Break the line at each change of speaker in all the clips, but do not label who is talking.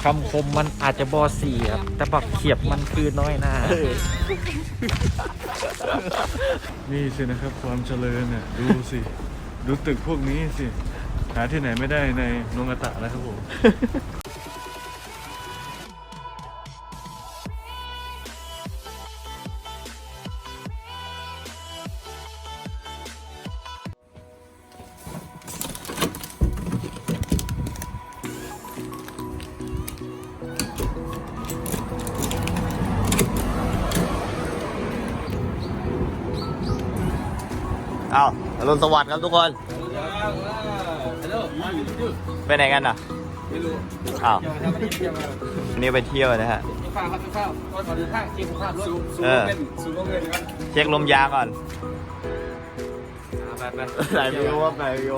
คำคมมันอาจจะบอสี่ครับแต่บักเขียบมันคือน้อยหน้า
นี่สินะครับความเจริญเนี่ยดูสิดูตึกพวกนี้สิหาที่ไหนไม่ได้ในโนงาตะนะครับผม
อ้าวอรุณสวัสดิ์ครับทุกคนไปไหนกันอ่ะไม่รู้อ้าววันนี้ไปเที่ยวนะฮะเช็คลมยางก่อนไหนวิวว่าไหนวิว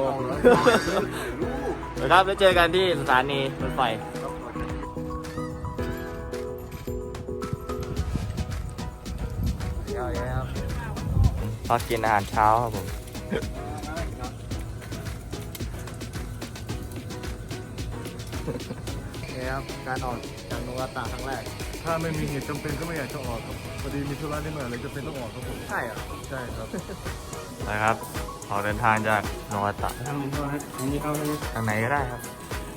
นะครับแล้วเจอกันที่สถานีรถไฟพักกินอาหารเช้าครับผมโอเคครับการออกจากโนราตะครั้งแรก
ถ้าไม่มีเหตุจำเป็นก็ไม่อยากจะออกครับพอดีมีธุระนิดหน่อยเลยจะเป็นต้องออกครับผม
ใช่เหรอ
ใช่ครับ
นะครับออกเดินทางจากโนราตะทางไหนก็ได้ครับ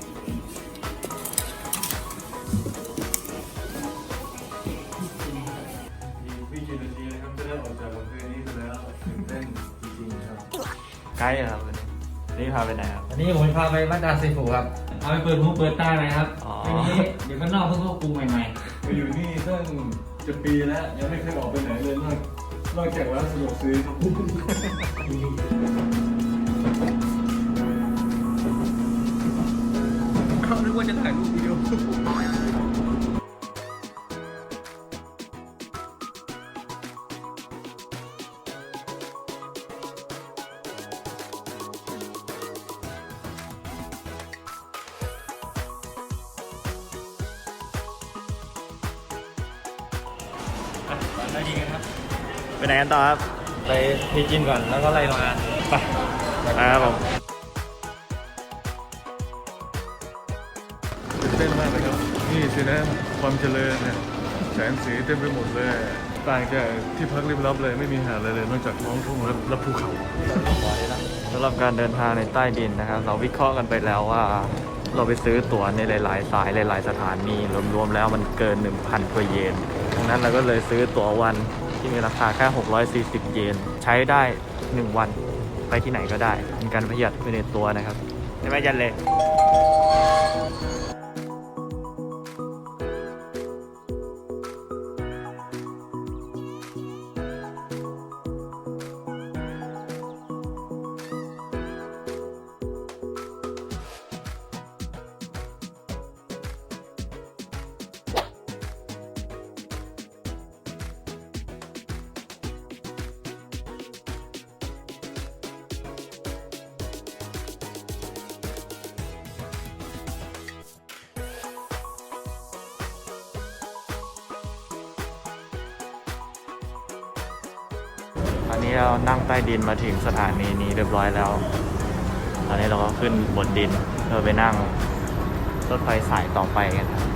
พี่กี่นาทีนะครับจะได้ออกจากบนเรือนี้ไปแล้วตื่นเต้นจริงๆครับ
ใกล้ครับวันนี้นี่พาไปไหนครับ
วันนี้ผมพาไปวัดดาไซฟูครับเอาไปเปิดหูเปิดตาหน่อยครับ
อ๋อ
ทีนี้เดี๋ยวข้างนอกเพิ่งเข้ากรุงใหม่
มาอยู่นี่ตั้งจะปีแล้วยังไม่เคยออกไปไหนเลยนอกจากร้านสะดวกซื้อครับ
เขาคิดว่าจะถ่ายรูปวิดีโอ
ไปไหนกันต่อครับ
ไปพีจินก่อนแล้วก็ไล่มาไป
ครับผม
ตื่นเต้นมากเลยครับนี่สินะความเจริญเนี่ยแสงสีเต็มไปหมดเลยต่างจากที่พักริมลับเลยไม่มีหาดอะไรเลยนอกจากท้องทุ่งและภูเขา
สำหรับการเดินทางในใต้ดินนะครับ เราวิเคราะห์กันไปแล้วว่า เราไปซื้อตั๋วในหลายๆสายหลายๆสถานีรวมๆแล้วมันเกิน 1,000 กว่าเยนดังนั้นเราก็เลยซื้อตั๋ววันที่มีราคาแค่640 เยนใช้ได้ 1 วันไปที่ไหนก็ได้เป็นการประหยัดไปในตัวนะครับใช่ไหมจันเลยตอนนี้เรานั่งใต้ดินมาถึงสถานีนี้เรียบร้อยแล้ว ตอนนี้เราก็ขึ้นบนดินเพื่อไปนั่งรถไฟสายต่อไปกันครับ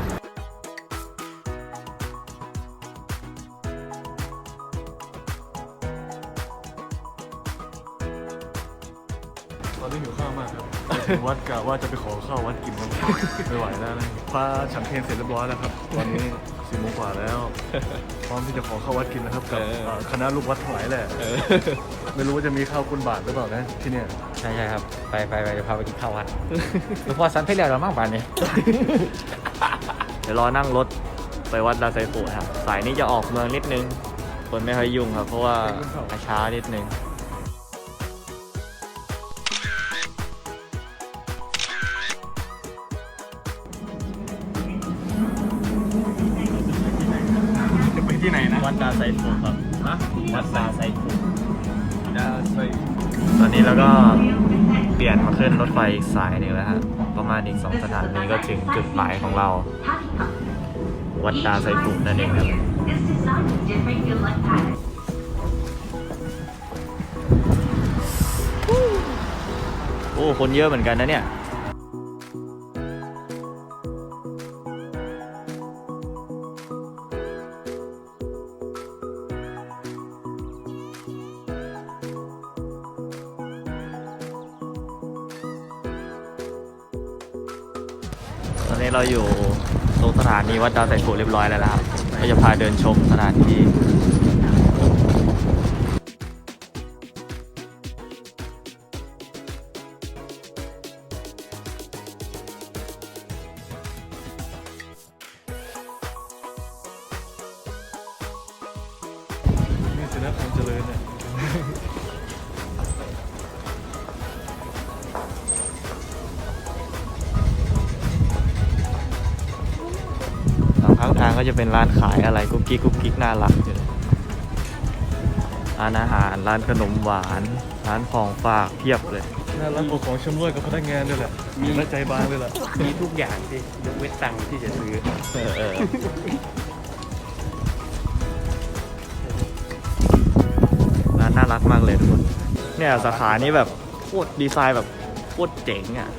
ตอนนี้หิวข้าวมากครับไปถึงวัดกะว่าจะไปขอข้าววัดกินกันไม่ไหวแล้วนะพาฉันเพลเสร็จเรียบร้อยแล้วครับตอนนี้4 โมงกว่าแล้วพร้อมที่จะขอข้าววัดกินนะครับกับคณะลูกวัดทั้งหลายแหละไม่รู้ว่าจะมีข้าวกุนบาทหรือเปล่านะที่เนี่ย
ใช่ครับไปเดี๋ยวพาไปกินข้าววัดหลวงพ่อสันให้แล้วเรามากกว่านี้
เดี๋ยวรอนั่งรถไปวัดดาไซฟูครับสายนี้จะออกเมืองนิดนึงคนไม่ค่อยยุ่งครับเพราะว่าช้านิดนึง
จะไปที่ไหนนะ
วัดดาไซฟูครับ วัดดาไซฟู
ดาไซ
ตอนนี้เราก็เปลี่ยนมาขึ้นรถไฟอีกสายหนึ่งแล้วฮะประมาณอีก2 สถานีก็ถึงจุดหมายของเรา วัดดาไซฟูนั่นเองครับโอ้คนเยอะเหมือนกันนะเนี่ยอนนี้เราอยู่ตรงสถานีวัดดาวไต่โขเรียบร้อยแล้วนะครับก็จะพาเดินชมสถานที่
นี่สินะความเจริญเนี่ย
สองข้างทางก็จะเป็นร้านขายอะไรกุ๊กกิ๊กกุ๊กกิ๊กน่ารักอยู่เลยร้านอาหารร้านขนมหวานร้านของฝากเพียบเลย
น่ารักกว่าของชำร่วยกับพนักงานด้วยแหละมีและใจบางเลยแหละ
มีทุกอย่างที่ยกเว้นตังค์ที่จะซื้อ
ร้านน่ารักมากเลยทุกคนเนี่ยสาขานี้แบบโคตรดีไซน์แบบโคตรเจ๋งอ่ะ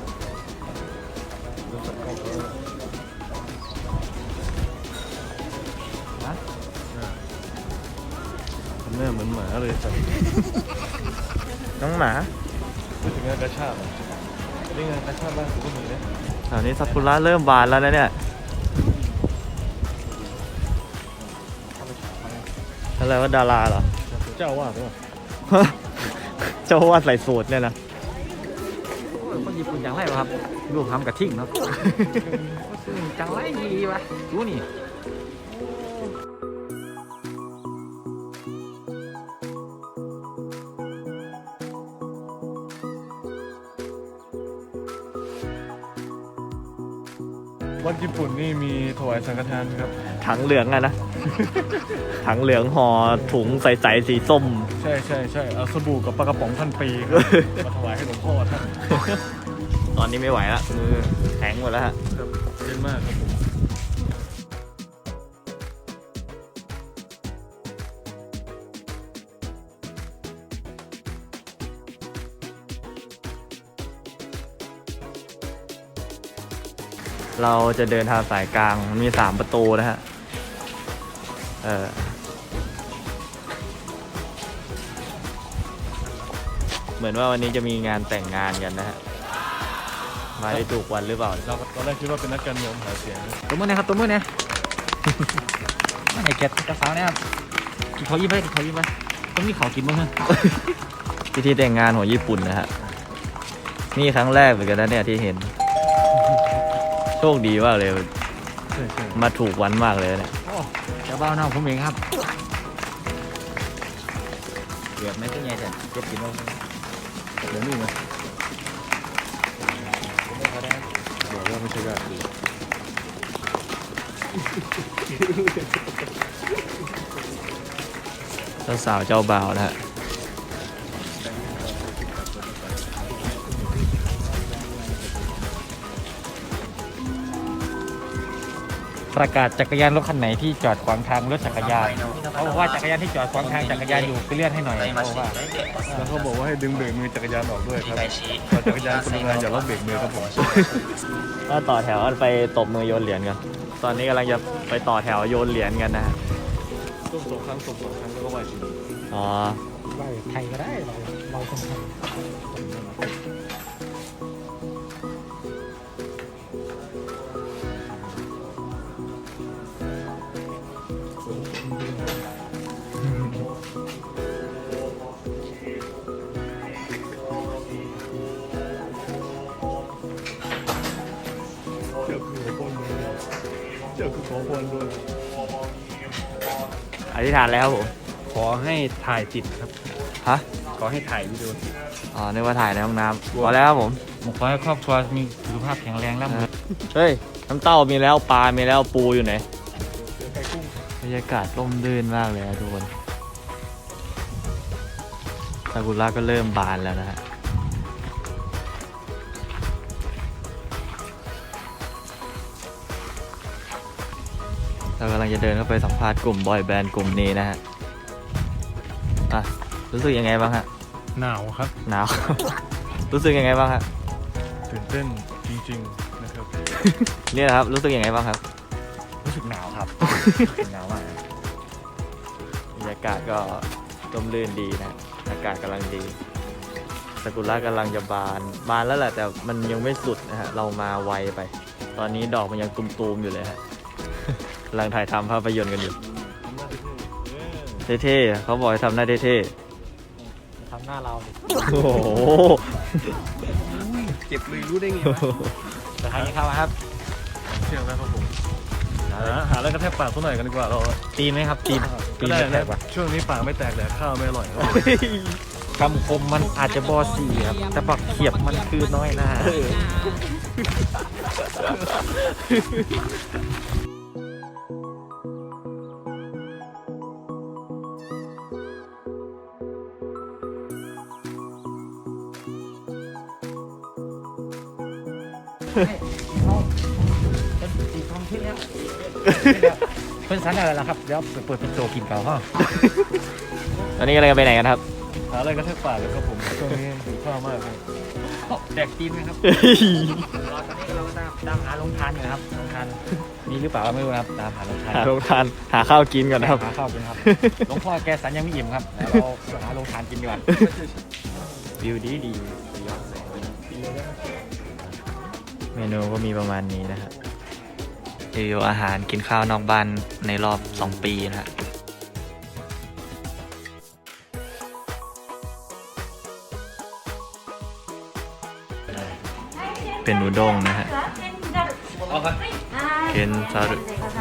ทำหน้าเหมือนหมาเลยสัตว์
น้องหมา
พูดถึงงานกระชากอ่ะนี่งานกระชากบ้านผมก็มีนะ
แถวนี้ซากุระเริ่มบานแล้วนะเนี่ยอะไรว่าดาราเหรอ
เจ้าว่าหรือเปล่า
เจ้าว่าใส่สูทเนี่ยนะ
คนญี่ปุ่นจังไรวะครับลูกทำกระทิ่งเนาะ จังไรดีวะดูนี่
วัดญี่ปุ่นนี่มีถวายสังฆทานครับ
ถังเหลืองอะนะ ถังเหลืองห่อถุงใสๆสีส้ม
ใช่เอาสบู่กับปลากระป๋องพันปีครับ มาถวายให้หลวงพ่อท่าน
ตอนนี้ไม่ไหวละมือแข็งหมดแล้วฮะ
ครับเย็นมากครับผม
เราจะเดินทางสายกลางมี3ประตูนะฮะเหมือนว่าวันนี้จะมีงานแต่งงานกันนะฮะ มาได้ถูกวันหรือเปล่า
เราตอนแรกคิดว่าเป็นนักการเมืองหาเสียงนะ
ตัวมือนะครับตัวมือเนี่ย ไม่ให้เก็บกระเป๋าเนี่ยครับกินเขายิ้มไปกินเขายิ้มไปต้องมีเขากินบ้างฮะ
พิธีแต่งงานของญี่ปุ่นนะฮะ นี่ครั้งแรกเหมือนกันนะเนี่ยที่เห็น โชคดีมากเลย
ใช่
มาถูกวันมากเลยเนี่ย
เจ้าบ้าวน้องผมเองครับเกือบไม่ใช่ไงแต่เก็บกินบ้าง
เดี๋ยวนี่นะเดี๋ยวว่าไม่ใช่ญาติดี
เจ้าสาวเจ้าบ่าวนะฮะ
ประกาศจักรยานรถคันไหนที่จอดขวางทางรถจักรยานเขาบอกว่าจักรยานที่จอดขวางทางจักรยานอยู่ไปเลื่อนให้หน่อยเขาบอกว่า
แล้วเขาบอกว่าให้ดึงเบรกมือจักรยานออกด้วยครับตอนจักรยานกรุณาอย่าล็อกเบรกมือครับผม
ก็ต่อแถวกันไปตบมือโยนเหรียญกัน ตอนนี้กำลังจะไปต่อแถวโยนเหรียญกันนะฮะ
ต้องสองครั้งแล้วก็ไหว้ที
อ๋อ
ไหวไทยก็ได้เราคนไทย
เจ้าคือขอพรด้วยเจ้าคือขอพรด้วย
อธิษฐานแล้วครับผม
ขอให้ถ่ายติดครับ
ฮะ
ขอให้ถ่ายวิดีโอติด
อ๋อนึกว่าถ่ายในห้องน้ำพอแล้วครับผม
ผมขอให้ครอบครัวมีสุขภาพแข็งแรงร่ำรวย
เฮ้ย น้ำเต้ามีแล้วปลา มีแล้วปูอยู่ไหนบรรยากาศร่มรื่นมากเลยนะทุกคนซากุระก็เริ่มบานแล้วนะฮะ เรากำลังจะเดินเข้าไปสัมภาษณ์กลุ่มบอยแบนด์กลุ่มนี้นะฮะ อ่ะ รู้สึกยังไงบ้างฮะ
หนาวครับ
หนาว รู้สึกยังไงบ้างฮะ
ตื่นเต้นจริงๆนะครับ
เนี่ยนะครับ รู้สึกยังไงบ้างครับ
รู้สึกหนาวครับ หนาวมาก
บรรยากาศก็ร่มรื่นดีนะ อากาศกำลังดีซากุระกำลังจะบานแล้วแหละแต่มันยังไม่สุดนะฮะ เรามาไวไปตอนนี้ดอกมันยังตุมๆอยู่เลยฮะกำลังถ่ายทำภาพยนตร์กันอยู่เท่ๆเขาบอกให้ทำหน้าเท่
ทำหน้าเรา
ๆโอ้โห
เจ็บเลยรู้ได้ไงวะ
จะทางนี้เข้ามาครับ
เที่ยงแล้วครับผมหาอะไรกระแทกปากเขาหน่อยกันดีกว่าเรา
ตีไหมครับตี
ก็ได้
ไม่แต
นะ
กปะ
ช่วงนี้ปากไม่แตกแต่ข้าวไม่อร่อยครับ
คำคมมันอาจจะบอสีครับแต่ปักเขียบมันคือน้อยหน้า ตีทองขึ้นแล้วเพิ่นสันอะไรล่ะครับเดี๋ยวเปิดเป็นโซกินเก่าห้อง
ตอนนี้กำลังจะไปไหนกันครับ
หาอะไรกระแทกปากกันครับผมช่วงนี้หิวข้าวมากครับ
แดกตีนไหมครับตอนนี้เราก็ตามหาโรงทานอยู่นะครับโรงทานมีหรือเปล่าไม่รู้นะครับตามหาโรงทาน
หาโรงทานหาข้าวกินก่อนนะครับ
หาข้าวกินครับหลวงพ่อแกสันยังไม่อิ่มครับแล้วเราไปหาโรงทานกินดีกว่า
วิวดีดีเมนูก็มีประมาณนี้นะครับรีวิวอาหารกินข้าวนอกบ้านในรอบ 2 ปีนะฮะเป็นอุด้งนะฮะเคนซารุ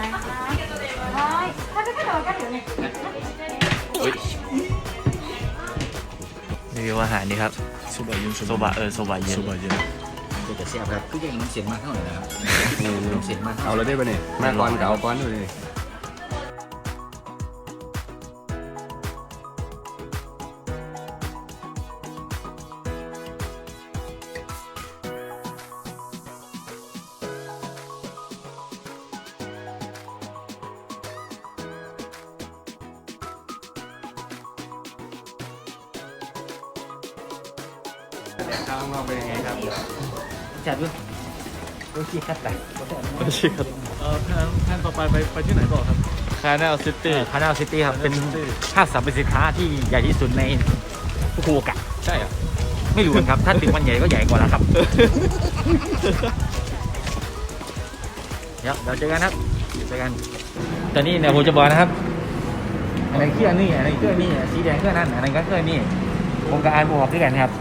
รีวิวอาหารนี่ครับ
โซบะเย็น
โซบะโซบะเย็น
โซบะเย็น
เดี๋ยวจะเสียบครับคือยังเสียงมากเท่าไหร่นะครับเสียงมาก
เอาแล้วได้ปะเนี่ยแม่ก่อนกับเอาก้อนเลย
ทางมาเป็นยังไงครับ
จัดด้วยโรชีคัตแต่
ชื่อครับ
แผนต่อไปไปที่ไหนต่อครับ
คานาลซิตี้
คานาลซิตี้ครับเป็นห้างสรรพสินค้าที่ใหญ่ที่สุดในฟุกุโอกะ
ใช่เหรอ
ไม่รู้ครับถ้าตึกมันใหญ่ก็ใหญ่กว่าแล้วครับเดี๋ยวเจอกันครับเจอกันตอนนี้เนี่ยผมจะบอกนะครับอันไหนเครื่องนี่อันไหนเครื่องนี่สีแดงเครื่องนั้นอันไหนก็เครื่องนี่ผมกับอ่านบวกด้วยกันครับ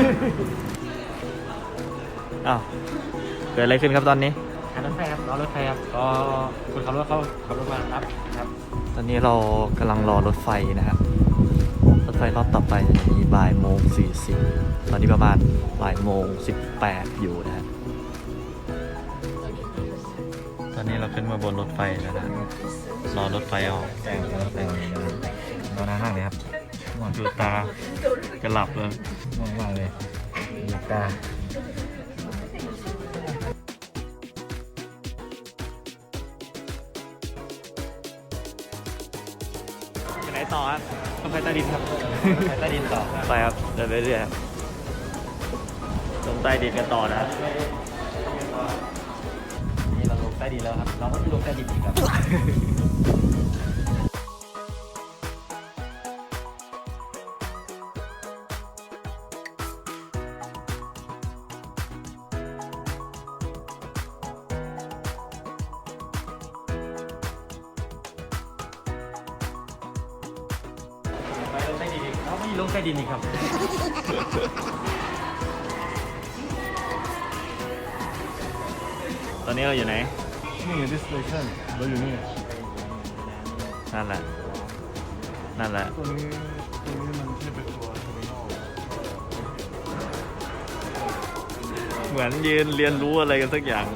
อ้าวเกิดอะไรขึ้นครับตอนนี้
รถไฟครับรอรถไฟครับก็คนขับรถเขาขับรถมาครับ
ตอนนี้เรากำลังรอรถไฟนะครับรถไฟรอบต่อไปจะมีบ่ายโมง40ตอนนี้ประมาณบ่ายโมง18อยู่นะฮะตอนนี้เราขึ้นมาบนรถไฟแล้วนะรอรถไฟออก
แต่งรอนานมากเลยครับง่วง
ดูตากระหลับเลย
ง่วงมากเลยหลับตา
ไปไหนต่อครับต้องไปใต้ดินครับ
ไปใต้ดินต่อ
ไปครับเดินไปเรื่อยครับลงใต้ดินกันต่อนะ
นี่เราลงใต้ดินแล้วครับเราก็ลงใต้ดินอีกครับ ไปลงใต้ดินอีกเราไม่ลงใต้ดินอีกครับ
ตอนนี้เราอยู่ไหน
นี่ destination เราอยู่นี่
นั่นแหละนั่นแหละ
ตัวนี้มันใช่เป็นตัวเทอร์มินอล
เหมือนยืนเรียนรู้อะไรกันสักอย่าง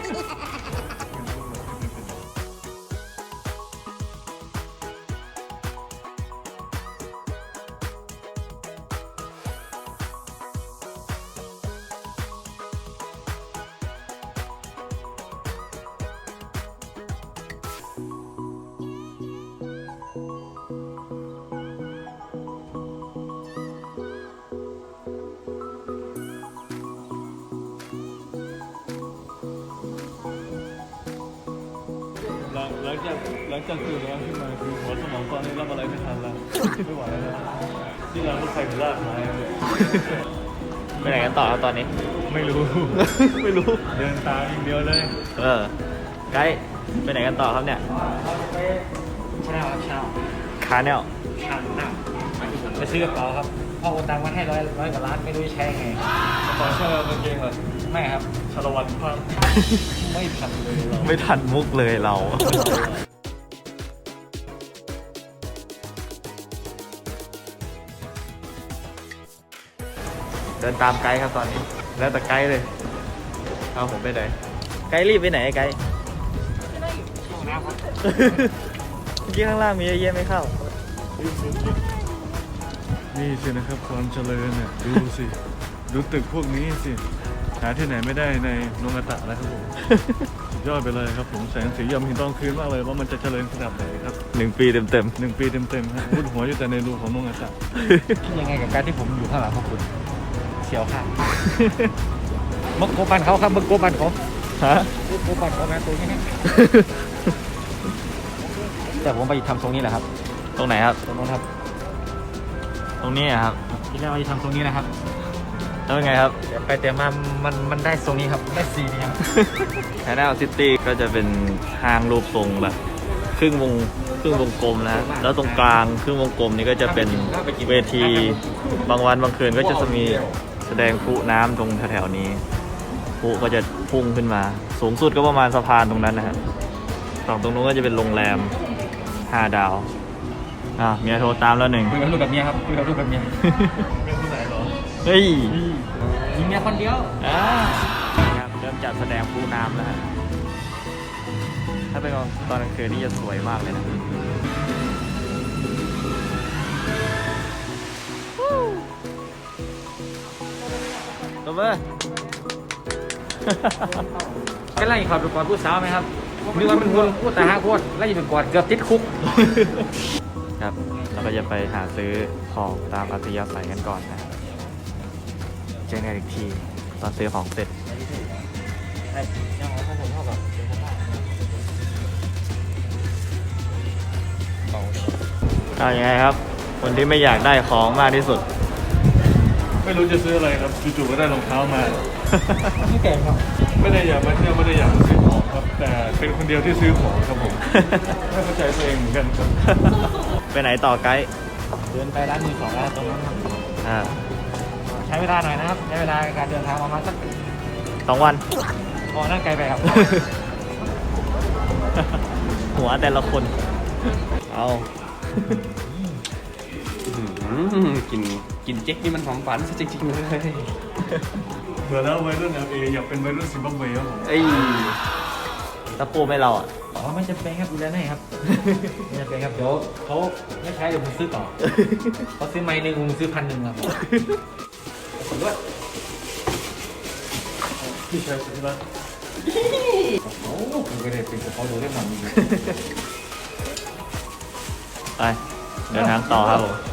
หลังจากตื่นแล้วขึ้นมาคือหัวสมองตอนนี้รับอะไรไม่ทันแล้ว ไม่ไหวแล้วที่ร้านรถไฟถึงลากไม้
ไปไหนกันต่อครับตอนนี้
ไไม่รู้
ไม่รู้
เดินตามอย่างเดียวเลย
ไกด์ไปไหนกันต่อครับเนี่ย
เช่าครับเช่า
คาแนล
ไปซื้อกระเป๋าครับพ่อโอนตังค์มาให้ร้อยกว่าล้านไม่รู้จะใช้ไง
ตอนเช่ากางเกงเหรอ
ไม่ครับ
ชาละวันพัง
ไม่ทันเลยเรา
ไม่ทันมุกเลยเรา เดินตามไกด์ครับตอนนี้ แล้วแต่ไกด์เลยเอาผมไปไหน ไกด์รีบไปไหนไกด์เมื่อกี้ข้างล่างมีเยอะแยะไม่เข้า
นี่สินะครับความเจริญเนี่ยดูสิ ดูตึกพวกนี้สิ หาที่ไหนไม่ได้ในโนงาตะนะครับผม สุดยอดไปเลยครับผมแสงสียำหินทองคืนมากเลยว่ามันจะเจริญขนาดไหนครับ
1 ปีเต็ม
1 ปีเต็มๆฮะมุดหัวอยู่แต่ในรูของโนงาตะ
คิดยังไงกับการที่ผมอยู่ข้างหลังพวกคุณเสียวข้างมึงโกบันเขาครับมึงโกบันเขา
ๆฮะ
โกบันเขาแม่ตัวนี้แต่ผมไปทำทรงนี้แหละครับ
ตรงไหนครับ
ตรงนู้นครับ
ตรงนี้อะครับ
ที่แรกว่าจะทำทรงนี้นะครับ
แล้วเป็นไงครับ
แต่ไปแต่มามันได้ทรงนี้ครับได้สีนี้ครับ
แคนแนลซิตี้ก็จะเป็นห้างรูปทรงแบบครึ่งวงกลมนะ แล้วตรงกลางครึ่งวงกลมนี้ก็จะเป็นเวที บางวันบางคืนก็จะมีแสดงพลุน้ำตรงแถวๆนี้พลุก็จะพุ่งขึ้นมา สูงสุดก็ประมาณสะพานตรงนั้นนะฮะฝั่งตรงนู้นก็จะเป็นโรงแรม5 ดาวเมียโทรตามแล้วหนึ่ง
คุยกับลูกกับเมียครับคุยกับลูกกับเมีย
เป็นคนไหนเหรอ
เฮ้ย
มีเมียคนเดียว
ครับเริ่มจัดแสดงพลุน้ำแล้วฮะถ้าเป็นตอนกลางคืนนี่จะสวยมากเลยนะตัวเบอร์
ก็ไล่ขับไปกอดผู้สาวไหมครับนึกว่ามันวนพูดแต่ห้าโคตรไล่ไปกอดเกือบติดคุก
ครับเราก็จะไปหาซื้อของตามอัธยาศัยกันก่อนนะเจอกันอีกทีตอนซื้อของเสร็จเอาอย่างไงครับ คนที่ไม่อยากได้ของมากที่สุด
ไม่รู้จะซื้ออะไรครับจู่ๆก็ได้รองเท้ามา
ไม่แก่ครับ
ไม่ได้อยากมาเที่ยวไม่ได้อยากมาซื้อของครับ แต่เป็นคนเดียวที่ซื้อของครับผม ไม่เข้าใจตัวเองเหมือนกันครับ
ไปไหนต่อไกด์
เดินไปร้านมือสองร้านตรงนั้นครับ ใช้เวลาหน่อยนะครับใช้เวลาในการเดินทางประมาณสัก
2 วัน
พอนั่งไกลไปครับ
หัวแต่ละคน เอา
กินเจ๊กนี่มันหอมฝันซะจริงๆเลย
เบื่อแล้ววัยรุ่น LA อยากเป็นวัยรุ่นซิมบับเวครับผม
เอ้ยตะปูไม่เราอ่ะ
อ๋อไม่จำเป็นครับดูแลให้ครับ ไม่จำเป็นครับเดี๋ยวเขาไม่ใช้เดี๋ยวผมซื้อต่อเขาซื้อไม้หนึ่งผมซื้อ1,000ครับผมด้วย
พี่ชายสุดที่รัก
โอ้ผมก็ได้เป็นกับเขาดูได้หน่อยนึง
ไป เดินทางต่อครับผม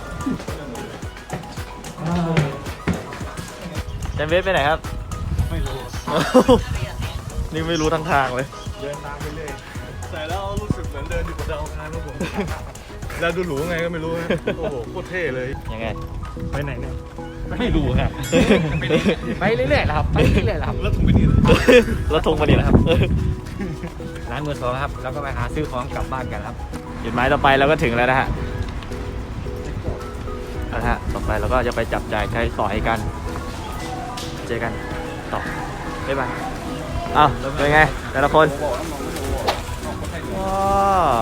เจมเวสไปไหนครับ
ไม่รู้
นี่ไม่รู้ทั้งทางเลย
เดินตามไปเรื่อยใส่แล้วรู้สึกเหมือนเดินอยู่บนดาวอังคารครับผมแล้วดูหรูไงก็ไม่รู้นะโอ้โหโคตรเท่เลย
ยังไง
ไปไหนเนี่ย
ไม่รู้ครับไปเรื่อยๆแล้วครับไปเรื่อยๆแล้วครับ
แล้วถุงไปนี่เลย
แล้วทงมาดีนะครับ
ร้านมือสองครับแล้วก็ไปหาซื้อของกลับบ้านกันครับ
จุดหมายต่อไปเราก็ถึงแล้วนะฮะต่อไปเราก็จะไปจับจ่ายใช้สอยกัน เจอกันต่อ บ๊ายบายอ้าวเป็นไง แต่ละคนว้าว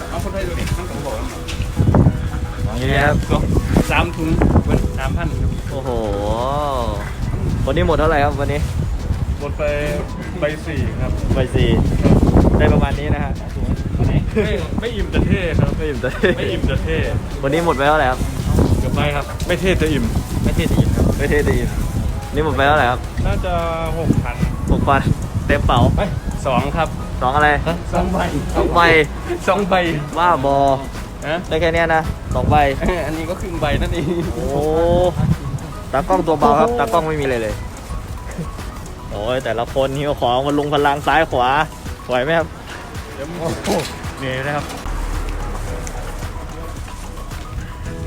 อย่างนี้ครับ
3 ถุงเป็น3,000
โอ้โห วันนี้หมดเท่าไหร่ครับวันนี้
หมดไปใบ4ครับ
ใบสี่ได้ประมาณนี้นะฮะ
ไม่อิ่มแต่เท่ครับ
ไม่อิ่มแต่
ไม่อิ่มแต่เท่
วันนี้หมดไปเท่าไหร่ครับ
เกือบไปครับ ไม่เท่แต่อิ่ม
ไม่เท่ดีครับ
ไม่เท่ดีนี่หมดไปเท่าไหร่ครับ
น่าจะ 6,000
6,000เต็มเป๋า
2 ครับ
2 อะไร
2 ใบ
2 ใบ
2 ใบ
บ้าบอ
ฮะ
ได้แค่เนี้ยนะ2 ใบ
อันนี้ก็ครึ่งใบนั่นเอง
โอ้ตากล้องตัวเบาครับ ตากล้องไม่มีเลยเลย โอ้ยแต่ละคนหิวของมันลุงพลังซ้ายขวาไหวไหมครับ
เหนื่อยนะครับ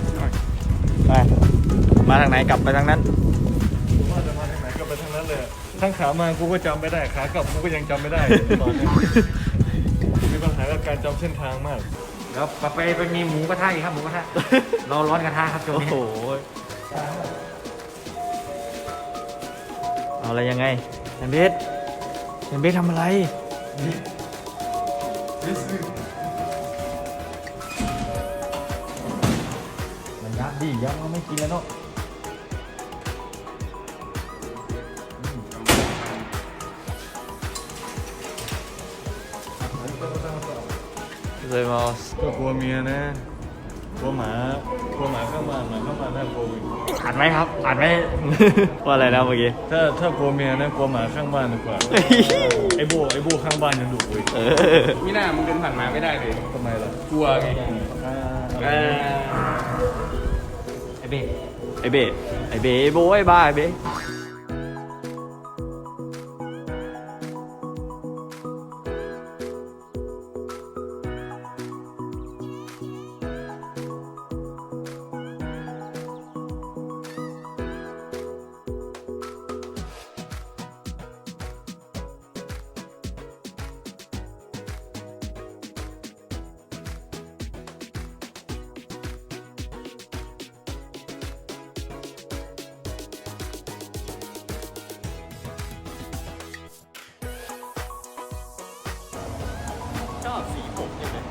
ไป มาทางไหนกลับไปทางนั้น
ผมว่าจะมาทางไหนก็ไปทางนั้นเลยทั้งขามากูก็จำไม่ได้ขากลับกูก็ยังจำไม่ได้ตอนนี้มีปัญหากับการจำเส้นทางมาก
แล้วไปมีหมูกระทะอีกครับหมูกระทะ เราร้อนกระทะครับช่วง
โอ้
นี้
โหเอาอะไรยังไงแอนเบสแอนเบสทำอะไร
มันยับดิยับเราไม่กินแล้วเนาะ
เลยมา
ก็กลัวเมียนะกลัวหมาข้างบ้านหมาข้างบ้านน่ากลัวอีก
อ่านไหมครับอ่านไหม
ว่าอะไรนะเมื่อกี้
ถ้ากลัวเมียนะกลัวหมาข้างบ้านดีกว่าไอ้โบข้างบ้านยังดุอีก
เออ
มีหน้ามึงเดินผ่านมาไม่ได้เลย
ทำไมล่ะ
กลัวไง
ไอเบะ
ไอเบสไอเบสโบ้ไอบ้าไอเบสชอบสีผมยังไง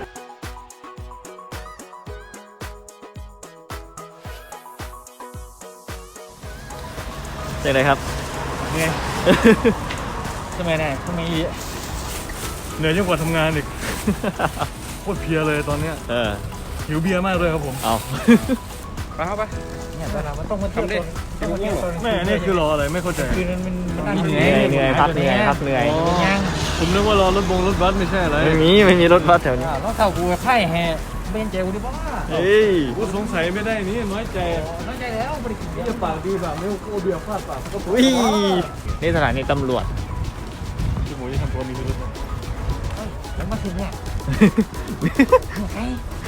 เป็นไรครับ
ไงทำไมเนี่ยทำไม
เหนื่อยยิ่งกว่าทำงานอีกโคตรเพลียเลยตอนเนี้ย
เออ
หิวเบียร์มากเลยครับผม
เอา
ไปเข้าไป
เนี่ยเรามันต้องมาเที่ยวตอนต้องมาเที่ยวตอน
แม่นี่คือรออะไรไม่เข้าใจ
คืนมัน
เหนื่อยพักเหนื่อย
ยัง
ผมนึกว่ารอรถบัสไม่ใช่อะไร
ไม่มีรถบัสแถวนี้
ต้องเท่ากูกับไข่แห่เป็นใจกูดิบ้า
เฮ้ย
กูสงสัยไม่ได้นี่น้อยใจ
น้อยใจแล้วบริกินเบีย
จะ
ร์
ปากดีแบบไม่โอ้เบียร์ฟาดปากก็
อุ้ยนี่สถานีตำรวจ
พี่หมูจะทำตัวมีพิรุธ
แล้วมาถึงเนี่ยไง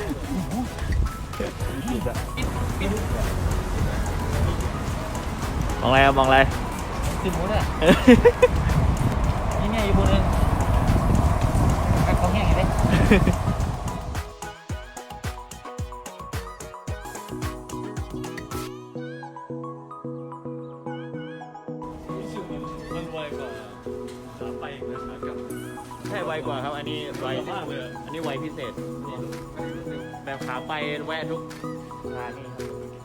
มองอะไรครับมองอะไร
ติดหมูเนี่ยนี่เนี่ยอยู่บนนึงไอ้ของแห้งไงเด้
รู้สึกมันไวกว่าขาไปอีกนะขากลับ
ใช่ไวกว่าครับ อันนี้ไว
มากเลย
อันนี้ไวพิเศษแบบขาไปแวะทุกทางนี่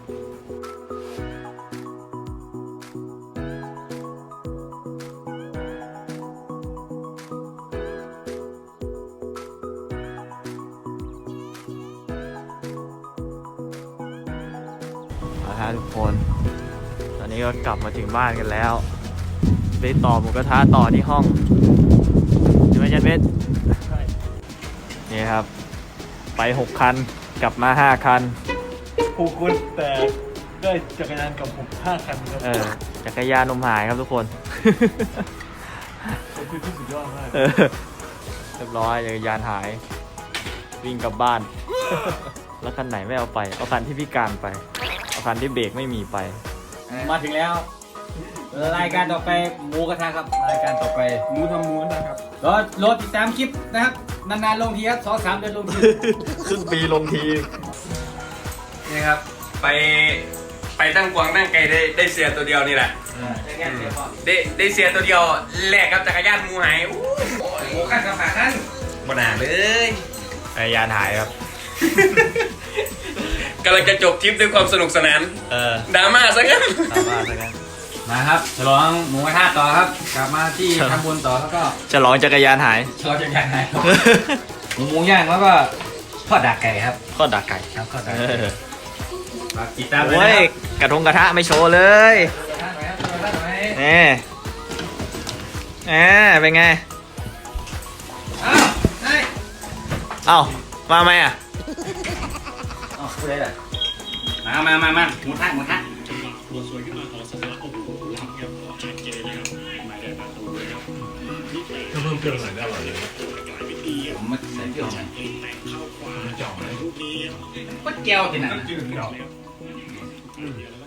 ครับทุกคน ตอนนี้ก็กลับมาถึงบ้านกันแล้วไปต่อหมูกระทะต่อที่ห้องใช่ไหมจันเวทนี่ครับ ไป6 คัน กลับมา5 คัน
ผูกคุณแต่ได้จักรยานกับผม5 คันครับ
จักรยานนมหายครับทุกคน
เป็นที่สุดยอดมาก
เรียบร้อยจักรยานหาย วิ่งกลับบ้าน แล้วคันไหนไม่เอาไป เอาคันที่พิการไป เอาคันที่เบรกไม่มีไป
มาถึงแล้ว รายการต่อไปหมูกระทะครับรายการต่อไป
หมูทำหมูกันนะครับ
รอติดตามคลิปนะครับนานๆลงทีครับ2-3 เดือนลงที
ครึ่งปีลงที
นี่ครับ ไปตั้งกวางตั้งไกลได้เสียตัวเดียวนี่แหละ ได้เสียตัวเดียวแลกกับจักรยานหมูหายโอ้ยหมูข้างกับฝาท่านบนาเลย
จักรยานหายครับ
กำลังจะจบทริปด้วยความสนุกสนาน ดราม่าซะงั้น
ตามมาซะงั้น
มาครับฉลองหมูกระทะต่อครับ กลับมาที่ทำบุญต่อแล้วก็
จะร้องจักรยานหาย
ฉลองจักรยานไทยครับหมูย่างแล้วก็ทอดดักไก่ครับ
ข้อดักไก่
ครับทอดดัก
เอ
ไก่
อ
ฝากติดตามเลย
โอ้
นะ
ย
ครับ
กระทะไม่โชว์เลย
กระทะหน่อยครับกระทะหน่อย
เป็นไง
อ้าวได้
เอ้า มาไหมอ่ะ
อ๋อพูดได้เลยมาหมูทะหมูทะถ้าเพิ่มเกลือหน่อยก็อร่อยเลยผมมาใส่เกลือหน่อยมันจ่อไหมก็แก้วที่ไหน